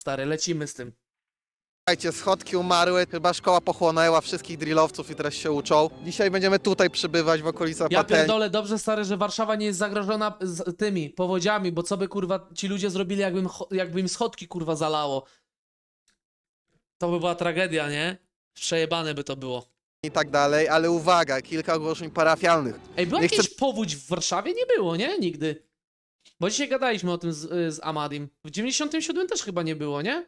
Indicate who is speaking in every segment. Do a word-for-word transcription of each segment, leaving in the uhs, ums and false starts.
Speaker 1: Stary, lecimy z tym.
Speaker 2: Słuchajcie, schodki umarły, chyba szkoła pochłonęła wszystkich drillowców i teraz się uczą. Dzisiaj będziemy tutaj przybywać w okolicach
Speaker 1: Ja
Speaker 2: patelni.
Speaker 1: pierdolę, dobrze stary, że Warszawa nie jest zagrożona z tymi powodziami, bo co by kurwa ci ludzie zrobili, jakbym, jakby im schodki kurwa zalało. To by była tragedia, nie? Przejebane by to było.
Speaker 2: I tak dalej, ale uwaga, kilka ogłoszeń parafialnych.
Speaker 1: Ej, była
Speaker 2: Nie
Speaker 1: jakaś
Speaker 2: chcę-
Speaker 1: powódź w Warszawie? Nie było, nie? Nigdy. Bo dzisiaj gadaliśmy o tym z, z Amadim. W dziewięćdziesiątym siódmym też chyba nie było, nie?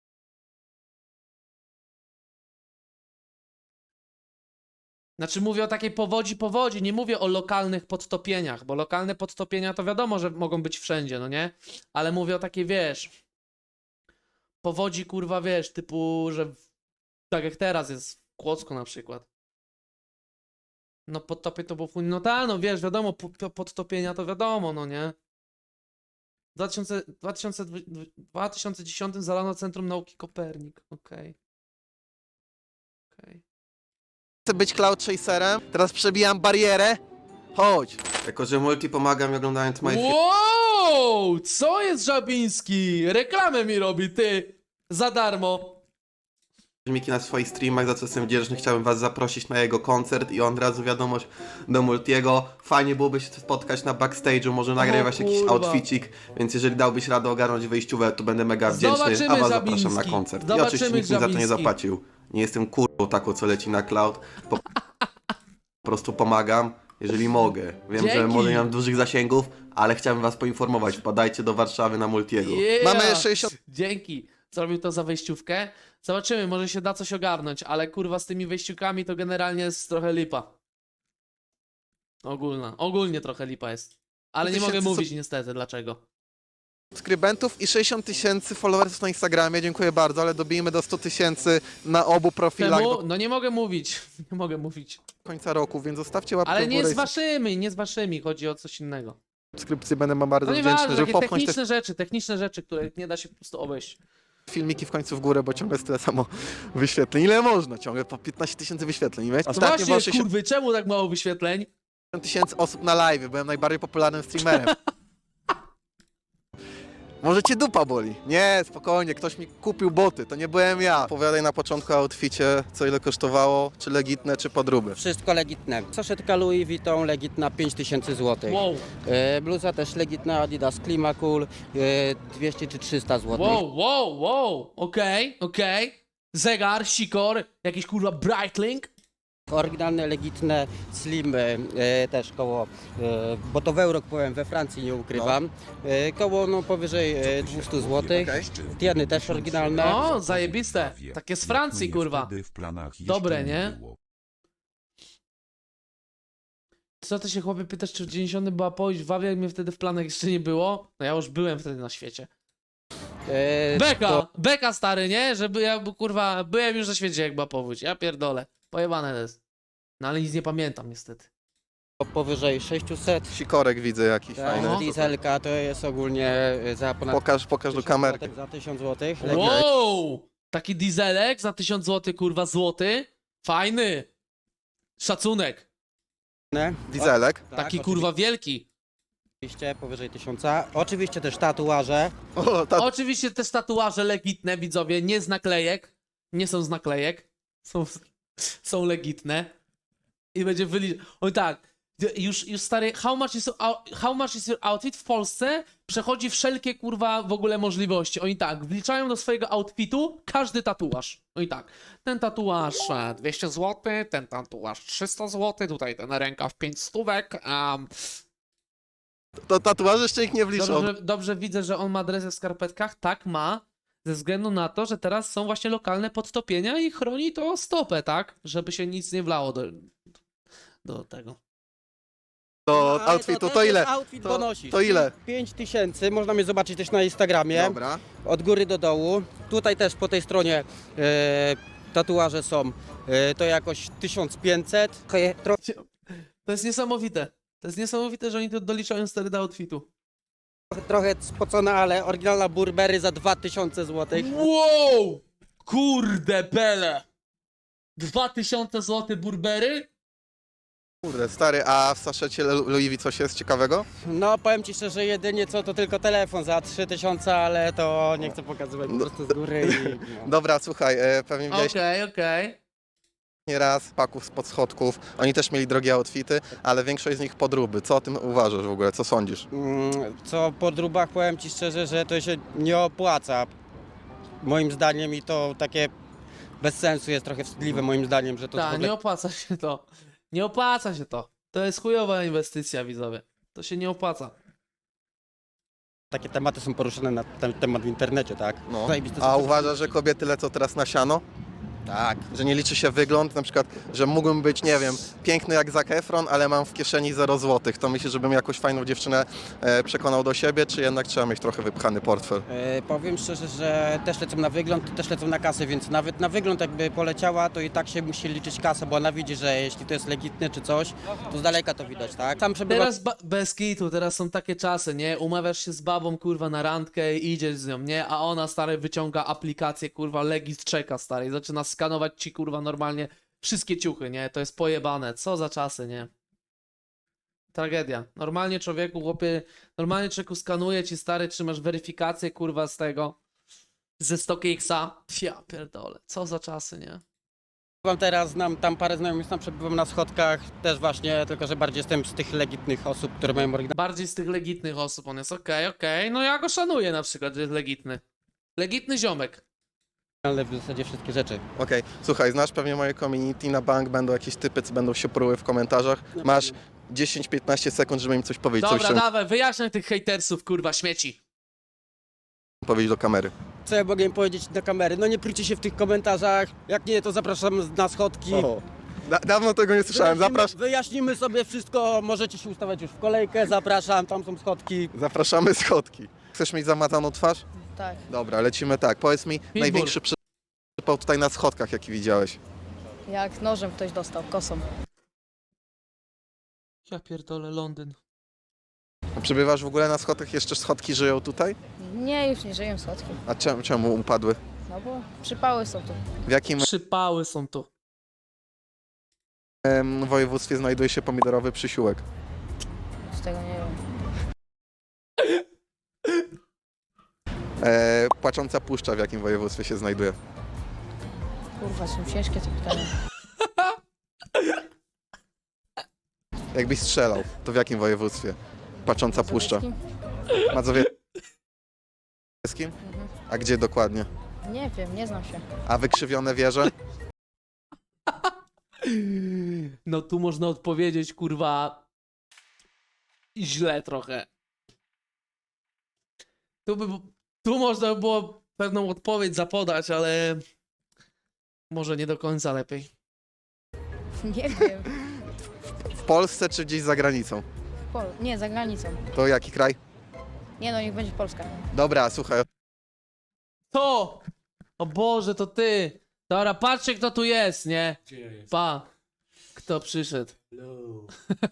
Speaker 1: Znaczy mówię o takiej powodzi, powodzi, nie mówię o lokalnych podtopieniach, bo lokalne podtopienia to wiadomo, że mogą być wszędzie, no nie? Ale mówię o takiej, wiesz, powodzi, kurwa, wiesz, typu, że w- tak jak teraz jest w Kłodzku na przykład. No podtopie to było chuj, no tak, no wiesz, wiadomo, po- po- podtopienia to wiadomo, no nie? W dwa tysiące, dwa tysiące, dwa tysiące dziesiątym zalano Centrum Nauki Kopernik, okej. Okej.
Speaker 2: Chcę być cloud chaserem, teraz przebijam barierę. Chodź.
Speaker 3: Jako, że multi pomaga mi oglądając moje
Speaker 1: Wow! Co jest Żabiński? Reklamę mi robi, ty! Za darmo.
Speaker 3: filmiki na swoich streamach, za co jestem wdzięczny, chciałbym was zaprosić na jego koncert i on razu wiadomość do multiego. Fajnie byłoby się spotkać na backstage'u, może nagraj właśnie jakiś
Speaker 1: kurwa.
Speaker 3: outficik, więc jeżeli dałbyś radę ogarnąć wyjściówę, to będę mega wdzięczny,
Speaker 1: Zobaczymy,
Speaker 3: a was zapraszam na
Speaker 1: Żabiński.
Speaker 3: koncert. I
Speaker 1: Zobaczymy,
Speaker 3: oczywiście nikt mi za to nie
Speaker 1: Żabiński.
Speaker 3: zapłacił. Nie jestem kurwą taką, co leci na cloud. Po, po prostu pomagam, jeżeli mogę. Wiem, że
Speaker 1: Dzięki.
Speaker 3: może nie mam dużych zasięgów, ale chciałbym was poinformować. Wpadajcie do Warszawy na multiego.
Speaker 1: Yeah.
Speaker 2: Mamy sześćdziesiąt
Speaker 1: Dzięki. Zrobił to za wejściówkę. Zobaczymy, może się da coś ogarnąć, ale kurwa z tymi wejściówkami to generalnie jest trochę lipa. Ogólna. Ogólnie trochę lipa jest. Ale nie mogę
Speaker 2: tysięcy
Speaker 1: mówić niestety dlaczego.
Speaker 2: subskrybentów i sześćdziesiąt tysięcy followersów na Instagramie. Dziękuję bardzo, ale dobijmy do sto tysięcy na obu profilach
Speaker 1: Czemu?
Speaker 2: do
Speaker 1: No nie mogę mówić. Nie mogę mówić.
Speaker 2: końca roku, więc zostawcie łapkę
Speaker 1: Ale
Speaker 2: w
Speaker 1: nie
Speaker 2: górę
Speaker 1: z
Speaker 2: i
Speaker 1: waszymi, nie z waszymi. Chodzi o coś innego.
Speaker 2: subskrypcje. Będę wam bardzo
Speaker 1: No
Speaker 2: wdzięczny,
Speaker 1: nieważne,
Speaker 2: żeby
Speaker 1: takie
Speaker 2: popchnąć te
Speaker 1: techniczne rzeczy, techniczne rzeczy, które nie da się po prostu obejść.
Speaker 2: filmiki w końcu w górę, bo ciągle jest tyle samo wyświetleń. Ile można? Ciągle po piętnaście tysięcy wyświetleń. Wiecie?
Speaker 1: No
Speaker 2: Ostatnio było
Speaker 1: właśnie,
Speaker 2: sześćdziesiąt
Speaker 1: kurwy, czemu tak mało wyświetleń?
Speaker 2: tysięcy osób na live. Byłem najbardziej popularnym streamerem. Może cię dupa boli? Nie, spokojnie, ktoś mi kupił boty, to nie byłem ja. Opowiadaj na początku o outficie, co ile kosztowało, czy legitne, czy podróby.
Speaker 4: Wszystko legitne. Saszetka Louis Vuitton legitna pięć tysięcy złotych.
Speaker 1: Wow,
Speaker 4: E, bluza też legitna Adidas Climacool e, dwieście czy trzysta złotych.
Speaker 1: wow, wow, wow, okej, okej. Zegar, sikor, jakiś kurwa Breitling.
Speaker 4: Oryginalne, legitne Slim e, też koło, e, bo to w euro kupowałem we Francji, nie ukrywam. E, koło no powyżej e, dwieście złotych.
Speaker 2: Okej.
Speaker 4: Tieny też oryginalne.
Speaker 1: O, zajebiste. Takie z Francji, kurwa. Dobre, nie? Co ty się chłopie pytasz, czy w dziewięćdziesiątym była powódź w Wawie, jak mnie wtedy w planach jeszcze nie było? No ja już byłem wtedy na świecie.
Speaker 4: E,
Speaker 1: Beka,
Speaker 4: to
Speaker 1: beka stary, nie? Żeby ja, bo, kurwa, byłem już na świecie, jak była powódź. Ja pierdolę. Pojebane to jest. No ale nic nie pamiętam niestety.
Speaker 4: powyżej sześćset.
Speaker 2: Sikorek widzę jakiś
Speaker 4: Tak,
Speaker 2: fajny.
Speaker 4: dieselka to jest ogólnie e, za ponad
Speaker 2: Pokaż, pokaż do
Speaker 4: tysiąc
Speaker 2: kamerki.
Speaker 4: złotych, za tysiąc złotych.
Speaker 1: Wow! Taki dieselek za tysiąc złotych, kurwa, złoty. Fajny. Szacunek.
Speaker 4: Legitne.
Speaker 2: Dieselek.
Speaker 4: Tak,
Speaker 1: Taki kurwa wielki.
Speaker 4: Oczywiście powyżej tysiąca. Oczywiście też tatuaże.
Speaker 2: O, ta...
Speaker 1: Oczywiście też tatuaże legitne, widzowie, nie z naklejek. Nie są z naklejek. Są, są legitne. I będzie wyliczać. Oj tak, już, już stary, how much, is, how much is your outfit w Polsce przechodzi wszelkie kurwa w ogóle możliwości. Oni tak, wliczają do swojego outfitu każdy tatuaż. Oni tak, ten tatuaż e, dwieście złotych, ten tatuaż trzysta złotych, tutaj ten rękaw pięć stówek. Um,
Speaker 2: to tatuaże jeszcze ich nie wliczą.
Speaker 1: Dobrze, dobrze widzę, że on ma dresy w skarpetkach. Tak ma, ze względu na to, że teraz są właśnie lokalne podtopienia i chroni to stopę, tak? Żeby się nic nie wlało do, do tego.
Speaker 2: Do
Speaker 4: Ale
Speaker 2: outfitu,
Speaker 4: też
Speaker 2: to ile?
Speaker 4: jest Outfit
Speaker 2: To-
Speaker 4: bonusik.
Speaker 2: to ile?
Speaker 4: pięć tysięcy, można mnie zobaczyć też na Instagramie.
Speaker 2: Dobra.
Speaker 4: Od góry do dołu. Tutaj też po tej stronie e, tatuaże są. E, to jakoś tysiąc pięćset. Trochę- Trochę,
Speaker 1: To jest niesamowite. To jest niesamowite, że oni to doliczają stary do outfitu.
Speaker 4: trochę spocone, ale oryginalna Burberry za dwa tysiące złotych.
Speaker 1: Wow! Kurde bele! dwa tysiące złotych Burberry?
Speaker 2: Kurde, stary, a w saszecie Lu- Louis V coś jest ciekawego?
Speaker 4: No powiem ci szczerze, jedynie co to tylko telefon za trzy tysiące, ale to nie chcę pokazywać po prostu z góry i... No.
Speaker 2: Dobra, słuchaj, e, pewnie widziałeś
Speaker 1: Okej, okej.
Speaker 2: nieraz paków spod schodków. Oni też mieli drogie outfity, ale większość z nich podróby. Co o tym uważasz w ogóle? Co sądzisz?
Speaker 4: Mm, Co po drubach powiem ci szczerze, że to się nie opłaca. Moim zdaniem i to takie bez sensu jest trochę wstydliwe moim zdaniem, że to w
Speaker 1: Tak,
Speaker 4: ogóle
Speaker 1: nie opłaca się to. Nie opłaca się to. To jest chujowa inwestycja, widzowie. To się nie opłaca.
Speaker 4: takie tematy są poruszane na ten temat w internecie, tak?
Speaker 2: No.
Speaker 4: Zajebiste
Speaker 2: A
Speaker 4: są-
Speaker 2: uważasz, że kobiety lecą teraz na siano?
Speaker 4: Tak.
Speaker 2: Że nie liczy się wygląd, na przykład, że mógłbym być, nie wiem, piękny jak Zac Efron, ale mam w kieszeni zero złotych. To myślisz, żebym jakąś fajną dziewczynę e, przekonał do siebie, czy jednak trzeba mieć trochę wypchany portfel?
Speaker 4: E, powiem szczerze, że też lecą na wygląd, też lecą na kasę, więc nawet na wygląd jakby poleciała, to i tak się musi liczyć kasę, bo ona widzi, że jeśli to jest legitne czy coś, to z daleka to widać, tak? Sam przebywa...
Speaker 1: Teraz ba- bez kitu, teraz są takie czasy, nie? Umawiasz się z babą, kurwa, na randkę i idziesz z nią, nie? A ona, stary, wyciąga aplikację, kurwa, Legit czeka, stary, i zaczyna skanować ci, kurwa, normalnie wszystkie ciuchy, nie? To jest pojebane. Co za czasy, nie? Tragedia. Normalnie człowieku, chłopie, normalnie człowieku skanuje ci, stary, czy masz weryfikację, kurwa, z tego, ze StockXa. Ja pierdolę. Co za czasy, nie?
Speaker 4: Przebywam teraz, znam tam parę znajomych, tam przebywam na schodkach, też właśnie, tylko że bardziej jestem z tych legitnych osób, które mają oryginalne
Speaker 1: Bardziej z tych legitnych osób on jest, okej, okej. No ja go szanuję na przykład, że jest legitny. Legitny ziomek.
Speaker 4: w zasadzie wszystkie rzeczy.
Speaker 2: Okej, słuchaj, znasz pewnie moje community, na bank będą jakieś typy, co będą się pruły w komentarzach. Masz dziesięć piętnaście sekund, żeby im coś powiedzieć, coś
Speaker 1: Dobra,
Speaker 2: chciałem
Speaker 1: dawaj, wyjaśniaj tych hejtersów, kurwa, śmieci.
Speaker 2: powiedzieć do kamery.
Speaker 4: Co ja mogę im powiedzieć do kamery? No nie prycie się w tych komentarzach, jak nie, to zapraszam na schodki.
Speaker 2: O, da dawno tego nie słyszałem,
Speaker 4: Wyjaśnimy,
Speaker 2: Zaprasz
Speaker 4: wyjaśnimy sobie wszystko, możecie się ustawiać już w kolejkę, zapraszam, tam są schodki.
Speaker 2: zapraszamy schodki. Chcesz mieć zamazaną twarz?
Speaker 5: Tak.
Speaker 2: Dobra, lecimy tak. Powiedz mi, największy przypał tutaj na schodkach, jaki widziałeś.
Speaker 5: Jak nożem ktoś dostał, kosą.
Speaker 1: Ja pierdolę, Londyn.
Speaker 2: Przebywasz w ogóle na schodkach? Jeszcze schodki żyją tutaj?
Speaker 5: Nie, już nie żyję słodki.
Speaker 2: A czemu, czemu upadły?
Speaker 5: No bo przypały są tu.
Speaker 2: W jakim
Speaker 1: Przypały są tu.
Speaker 2: em, województwie znajduje się pomidorowy przysiółek?
Speaker 5: Z tego nie wiem.
Speaker 2: E, płacząca puszcza w jakim województwie się znajduje?
Speaker 5: Kurwa, są ciężkie te pytania.
Speaker 2: Jakbyś strzelał, to w jakim województwie? Płacząca puszcza.
Speaker 5: Mazowieckim?
Speaker 2: Mazowieckim?
Speaker 5: Mhm.
Speaker 2: A gdzie dokładnie?
Speaker 5: Nie wiem, nie znam się.
Speaker 2: A wykrzywione wieże?
Speaker 1: No tu można odpowiedzieć, kurwa, źle trochę. Tu, by, tu można by było pewną odpowiedź zapodać, ale może nie do końca lepiej.
Speaker 5: Nie wiem.
Speaker 2: W Polsce czy gdzieś za granicą?
Speaker 5: Pol nie, za granicą.
Speaker 2: To jaki kraj?
Speaker 5: Nie no, niech będzie Polska.
Speaker 2: Dobra, słuchaj,
Speaker 1: To! O Boże, to ty! Dobra, patrzcie kto tu jest, nie?
Speaker 6: Gdzie ja jestem?
Speaker 1: Pa! Kto przyszedł?
Speaker 6: Hello.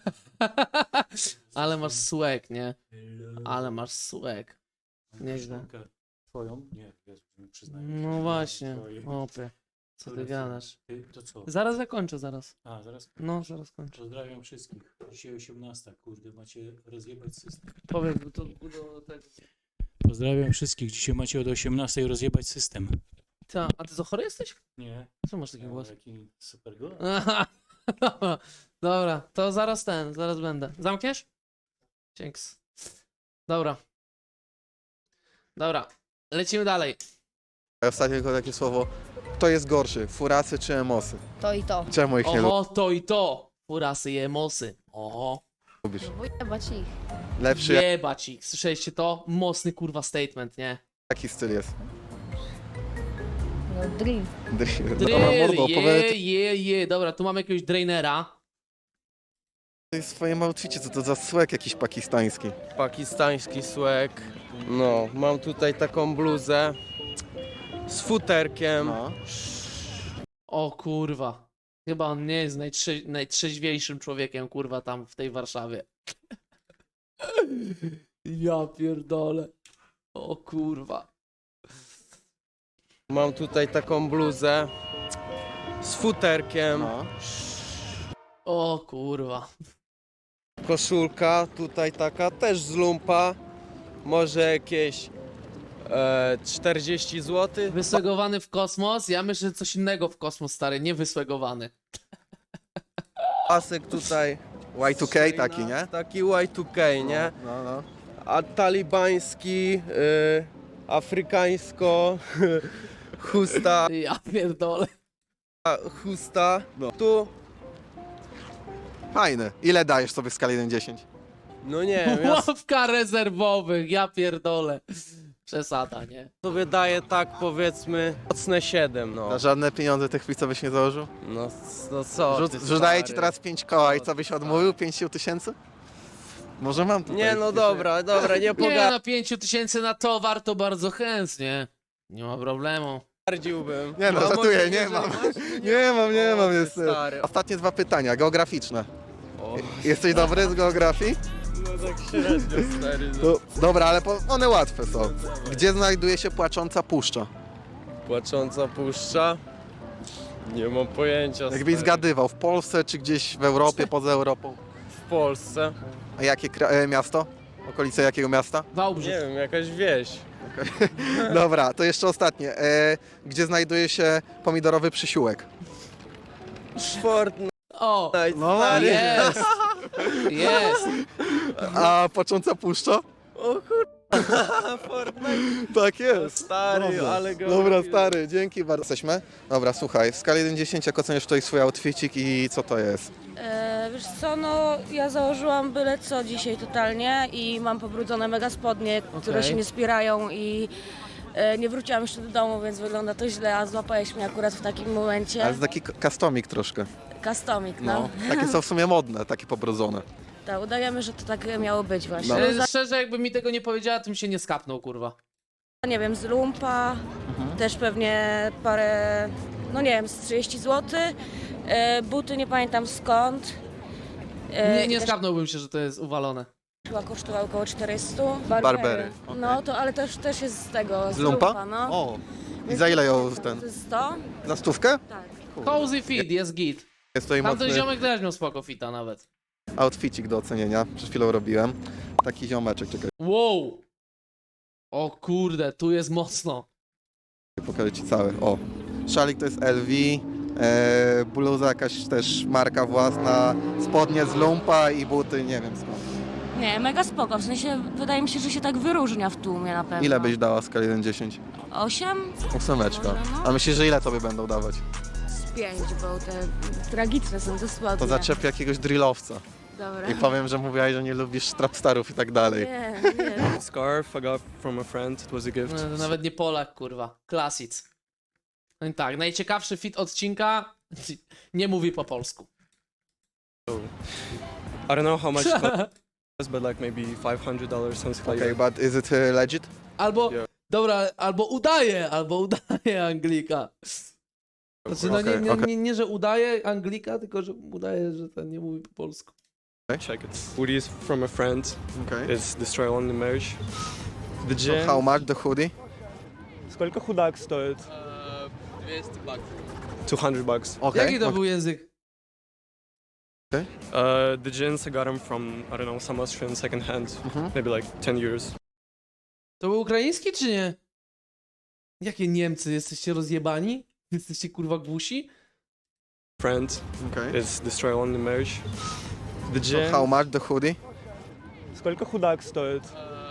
Speaker 1: Ale masz słek, nie?
Speaker 6: Hello.
Speaker 1: Ale masz słek. Nieźle.
Speaker 6: Koleżankę Twoją? Nie, ja mi przyznaję.
Speaker 1: No właśnie,
Speaker 6: Twoje.
Speaker 1: opie. Co ty
Speaker 6: Które są?
Speaker 1: gadasz?
Speaker 6: Ty, to co?
Speaker 1: Zaraz zakończę, zaraz.
Speaker 6: A, zaraz.
Speaker 1: No, zaraz kończę.
Speaker 6: Pozdrawiam wszystkich. Dzisiaj osiemnasta, kurde, macie rozjebać system.
Speaker 1: Powiedz, bo to do tego.
Speaker 6: Pozdrawiam wszystkich. Dzisiaj macie od osiemnastej rozjebać system.
Speaker 1: Ta, a ty co, chory jesteś?
Speaker 6: Nie?
Speaker 1: Co masz taki
Speaker 6: Ja
Speaker 1: głos?
Speaker 6: Jaki super głos.
Speaker 1: Aha, dobra, dobra, to zaraz ten, zaraz będę. Zamkniesz? Dzięks. Dobra. Dobra, lecimy dalej.
Speaker 2: ostatnio tylko takie słowo. Kto jest gorszy, furasy czy emosy?
Speaker 5: To i to.
Speaker 2: Czemu ich nie
Speaker 1: Oho, to i to. Furasy i emosy. Oho.
Speaker 2: lubisz?
Speaker 5: No jebać ich.
Speaker 2: Lepszy
Speaker 1: Jebać ich. Słyszeliście to? Mocny kurwa statement, nie?
Speaker 2: jaki styl jest?
Speaker 5: No drill.
Speaker 2: Drill. Dobra,
Speaker 1: Drill,
Speaker 2: mordo,
Speaker 1: je,
Speaker 2: opowiadaj
Speaker 1: je, je. Dobra, tu mamy jakiegoś drainera.
Speaker 2: w swoim outficie, co to za słek jakiś pakistański.
Speaker 7: Pakistański słek. No, mam tutaj taką bluzę z futerkiem.
Speaker 2: No.
Speaker 1: O kurwa. Chyba on nie jest najtrze najtrzeźwiejszym człowiekiem, kurwa, tam w tej Warszawie. Ja pierdolę. O kurwa.
Speaker 7: Mam tutaj taką bluzę z futerkiem.
Speaker 2: No.
Speaker 1: O kurwa.
Speaker 7: Koszulka tutaj taka też z lumpa. Może jakieś e, czterdzieści złotych.
Speaker 1: Wysłegowany w kosmos? Ja myślę, że coś innego w kosmos, stary, nie wysłegowany.
Speaker 7: Pasek tutaj.
Speaker 2: Y dwa K taki, nie?
Speaker 7: Taki Y dwa K, nie?
Speaker 2: No, no.
Speaker 7: A talibański, y, afrykańsko, chusta,
Speaker 1: Ja pierdolę.
Speaker 7: chusta. No. Tu,
Speaker 2: Fajny. Ile dajesz sobie w skali jeden do dziesięciu?
Speaker 7: no nie wiem, ja
Speaker 1: Ławka rezerwowych, ja pierdolę. Przesada, nie?
Speaker 7: sobie daję tak powiedzmy mocne siedem, no.
Speaker 2: Za żadne pieniądze tych chwil, co byś nie założył?
Speaker 7: No, no co
Speaker 2: Rzut,
Speaker 7: ty,
Speaker 2: że daję ci
Speaker 7: stary.
Speaker 2: teraz pięć koła i co byś odmówił? pięć tysięcy? Może mam tutaj.
Speaker 7: Nie no dobra, dobra, nie
Speaker 1: Nie, na pięciu tysięcy na towar to bardzo chętnie. Nie ma problemu.
Speaker 7: pogardziłbym.
Speaker 2: Nie no,
Speaker 7: A
Speaker 2: żartuję,
Speaker 7: może
Speaker 2: nie
Speaker 7: jeżeli
Speaker 2: mam.
Speaker 7: masz,
Speaker 2: Nie mam, nie
Speaker 7: O,
Speaker 2: mam.
Speaker 7: ty
Speaker 2: Jest...
Speaker 7: stary.
Speaker 2: Ostatnie dwa pytania, geograficzne.
Speaker 7: O,
Speaker 2: Jesteś dobry z geografii?
Speaker 7: no tak średnio, stary. No.
Speaker 2: No, dobra, ale po, one łatwe są. Gdzie znajduje się płacząca puszcza?
Speaker 7: Płacząca puszcza? Nie mam pojęcia,
Speaker 2: Jakbyś
Speaker 7: stary.
Speaker 2: zgadywał, w Polsce czy gdzieś w Europie, poza Europą?
Speaker 7: W Polsce?
Speaker 2: A jakie kra- e, miasto? Okolice jakiego miasta?
Speaker 1: Wałbrzych.
Speaker 7: Nie wiem, jakaś wieś.
Speaker 2: Dobra, to jeszcze ostatnie. E, gdzie znajduje się pomidorowy przysiółek?
Speaker 7: Fortnite,
Speaker 1: O,
Speaker 2: No,
Speaker 7: stary.
Speaker 1: jest. Jest.
Speaker 2: A płacząca puszcza?
Speaker 7: O kurwa, Fortnite.
Speaker 2: Tak jest.
Speaker 7: Stary,
Speaker 2: Dobra.
Speaker 7: ale go...
Speaker 2: Dobra, stary, dzięki bardzo. Jesteśmy? Dobra, słuchaj, w skali jeden do dziesięciu jak oceniasz tutaj swój outfitik i co to jest?
Speaker 8: E, wiesz co, no ja założyłam byle co dzisiaj totalnie i mam pobrudzone mega spodnie, które
Speaker 1: Okej.
Speaker 8: się nie spierają i e, nie wróciłam jeszcze do domu, więc wygląda to źle, a złapałeś mnie akurat w takim momencie.
Speaker 2: Ale jest taki k- customik troszkę.
Speaker 8: Customik, no.
Speaker 2: Takie są w sumie modne, takie pobrudzone.
Speaker 8: Tak, udajemy, że to tak miało być właśnie.
Speaker 2: No.
Speaker 1: E,
Speaker 8: Za,
Speaker 1: Szczerze, jakby mi tego nie powiedziała, tym się nie skapnął, kurwa.
Speaker 8: nie wiem, z lumpa,
Speaker 2: Mhm.
Speaker 8: też pewnie parę, no nie wiem, z trzydzieści złotych. E, buty nie pamiętam skąd. E,
Speaker 1: Nie, nie
Speaker 8: też
Speaker 1: skapnąłbym się, że to jest uwalone.
Speaker 8: chyba kosztowały około czterysta.
Speaker 2: Barbery,
Speaker 8: No to, ale też, też jest z tego, z,
Speaker 2: Z lumpa?
Speaker 8: lumpa, no.
Speaker 2: O, i za ile ją ten?
Speaker 8: To jest sto?
Speaker 2: Za stówkę?
Speaker 8: Tak.
Speaker 1: Cozy fit, jest git.
Speaker 2: Jest tutaj
Speaker 1: Tamten
Speaker 2: mocny
Speaker 1: ziomek też miał spoko fita nawet.
Speaker 2: outfitik do ocenienia. Przed chwilą robiłem. Taki ziomeczek, czekaj,
Speaker 1: Wow. O kurde, tu jest mocno.
Speaker 2: pokażę ci cały. O, szalik to jest L V, e, bluza jakaś też marka własna, spodnie z lumpa i buty, nie wiem skąd.
Speaker 8: Nie, mega spoko, w sensie wydaje mi się, że się tak wyróżnia w tłumie na pewno.
Speaker 2: Ile byś dała w skali jeden do dziesięciu?
Speaker 8: Osiem?
Speaker 2: Ósemeczka.
Speaker 8: Może, no.
Speaker 2: A myślisz, że ile tobie będą dawać?
Speaker 8: Z pięć, bo te tragiczne są dosłownie.
Speaker 2: To zaczepię jakiegoś drillowca.
Speaker 8: Dobra.
Speaker 2: I powiem, że mówiłaś, że nie lubisz trapstarów i tak dalej.
Speaker 8: Nie, nie.
Speaker 9: Scarf I got from a friend. It was a gift.
Speaker 1: No, to nawet nie Polak, kurwa. Klasic. No i tak, najciekawszy fit odcinka nie mówi po polsku.
Speaker 9: I don't know how much it cost, but like maybe five hundred dollars, something like
Speaker 2: Okay,
Speaker 9: that.
Speaker 2: but is it uh, legit?
Speaker 1: Albo,
Speaker 9: Yeah.
Speaker 1: dobra, albo udaje, albo udaje Anglika. Znaczy, no nie,
Speaker 2: Okej,
Speaker 1: nie,
Speaker 2: okej.
Speaker 1: nie, nie, że udaje Anglika, tylko że udaje, że ten nie mówi po polsku.
Speaker 9: Check it. Hoodie is from a friend.
Speaker 2: Okay.
Speaker 9: It's Destroy Only Merch. The
Speaker 2: So
Speaker 9: gym.
Speaker 2: how much the hoodie?
Speaker 9: Сколько худак стоит? two hundred bucks.
Speaker 2: Okay.
Speaker 1: Jaki to
Speaker 2: okay.
Speaker 1: był język?
Speaker 9: Uh, the jeans I got them from, I don't know, some Austrian second hand.
Speaker 2: Mhm.
Speaker 9: Maybe like ten euros.
Speaker 1: To był ukraiński, czy nie? Jakie Niemcy? Jesteście rozjebani? Jesteście kurwa głusi?
Speaker 9: Friend.
Speaker 2: Okay.
Speaker 9: It's Destroy Only Merch. The
Speaker 2: So
Speaker 9: gym.
Speaker 2: how much the hoodie?
Speaker 9: Сколько худак стоит?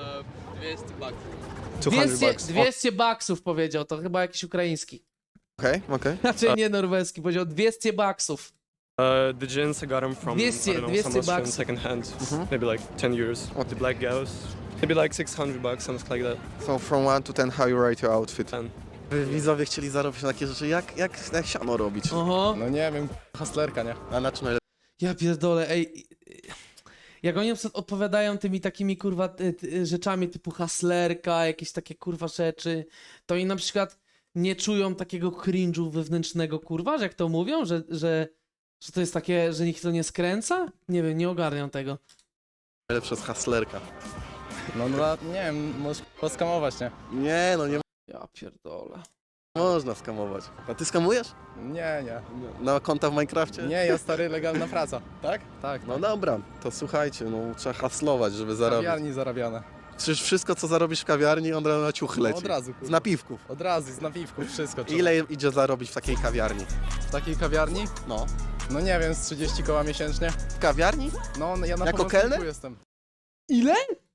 Speaker 9: two hundred
Speaker 1: dwieście,
Speaker 9: bucks.
Speaker 1: dwieście baksów powiedział, to chyba jakiś ukraiński.
Speaker 2: Okay, okay.
Speaker 1: Znaczy nie norweski, powiedział dwieście baksów.
Speaker 9: Uh, the jeans I got them from,
Speaker 1: dwieście,
Speaker 9: I don't know,
Speaker 1: dwieście
Speaker 9: some Austrian
Speaker 1: bucks.
Speaker 9: second hand.
Speaker 2: Mhm.
Speaker 9: Maybe like ten euros. The black gauss. Maybe like six hundred bucks, something like that.
Speaker 2: So from one to ten, how you rate your outfit?
Speaker 9: ten.
Speaker 2: Widzowie chcieli zarobić na takie rzeczy, jak, jak, jak siano robić.
Speaker 1: Oho.
Speaker 10: No nie wiem, hustlerka, nie?
Speaker 2: A na czym najlepiej?
Speaker 1: Ja pierdolę, ej. Jak oni na przykład odpowiadają tymi takimi kurwa ty, ty, rzeczami typu haslerka, jakieś takie kurwa rzeczy, to oni na przykład nie czują takiego cringe'u wewnętrznego kurwa, że jak to mówią, że, że, że to jest takie, że ich to nie skręca? Nie wiem, nie ogarniam tego.
Speaker 2: Najlepsze jest hustlerka.
Speaker 10: No, no nie wiem, możesz poskamować, nie?
Speaker 2: Nie, no nie
Speaker 1: Ja pierdolę.
Speaker 2: Można skamować. A ty skamujesz?
Speaker 10: Nie, nie.
Speaker 2: Na konta w Minecrafcie?
Speaker 10: Nie, ja stary, legalna praca. Tak? Tak.
Speaker 2: No dobra, to słuchajcie, no trzeba haslować, żeby zarobić.
Speaker 10: Kawiarni zarabiane.
Speaker 2: Przecież wszystko, co zarobisz w kawiarni, on na ciuchy leci.
Speaker 10: Od razu, kurwa.
Speaker 2: Z napiwków.
Speaker 10: Od razu, z napiwków, wszystko. trzeba.
Speaker 2: Ile idzie zarobić w takiej kawiarni?
Speaker 10: W takiej kawiarni?
Speaker 2: No.
Speaker 10: No nie wiem, z trzydzieści koła miesięcznie.
Speaker 2: W kawiarni?
Speaker 10: No, ja na
Speaker 2: Jako
Speaker 10: pomocniku
Speaker 2: kelner?
Speaker 10: jestem.
Speaker 1: Ile?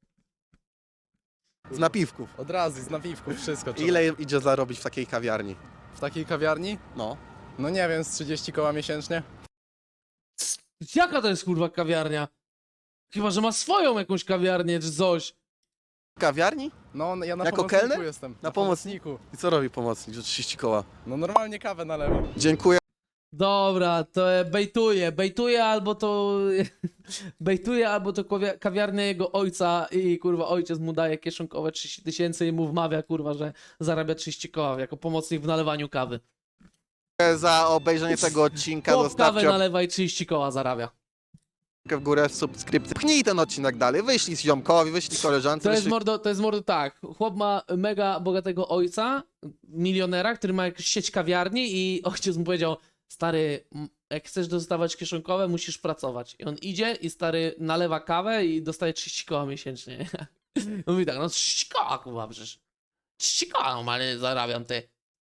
Speaker 2: Z napiwków.
Speaker 10: Od razu, z napiwków, wszystko. trzeba.
Speaker 2: Ile idzie zarobić w takiej kawiarni?
Speaker 10: W takiej kawiarni?
Speaker 2: No.
Speaker 10: No nie wiem, z trzydzieści koła miesięcznie.
Speaker 1: Jaka to jest kurwa kawiarnia? Chyba, że ma swoją jakąś kawiarnię czy coś.
Speaker 2: W kawiarni?
Speaker 10: No, ja na
Speaker 2: Jako
Speaker 10: pomocniku
Speaker 2: kelner?
Speaker 10: jestem.
Speaker 2: Na
Speaker 10: Na
Speaker 2: pomoc-
Speaker 10: pomocniku.
Speaker 2: I co robi pomocnik, że trzydzieści koła?
Speaker 10: No normalnie kawę nalewam.
Speaker 2: Dziękuję.
Speaker 1: Dobra, to e, bejtuje, bejtuje albo to bejtuje albo to kawia- kawiarnia jego ojca i kurwa ojciec mu daje kieszonkowe trzydzieści tysięcy i mu wmawia kurwa, że zarabia trzydzieści koła jako pomocnik w nalewaniu kawy.
Speaker 2: Za obejrzenie tego odcinka
Speaker 1: Chłop kawę
Speaker 2: zostawcie
Speaker 1: nalewa i trzydzieści koła zarabia.
Speaker 2: łapkę w górę, subskrypcję. Pchnij ten odcinek dalej, wyślij z ziomkowi, wyślij koleżance.
Speaker 1: To jest
Speaker 2: wyślij...
Speaker 1: mordo, to jest mordo tak. Chłop ma mega bogatego ojca, milionera, który ma jakąś sieć kawiarni i ojciec mu powiedział: stary, m- jak chcesz dostawać kieszonkowe, musisz pracować. I on idzie i stary nalewa kawę i dostaje trzydzieści koła miesięcznie. Mówi tak, no trzydzieści koła, kurwa, przecież. trzydzieści koła normalnie zarabiam, ty.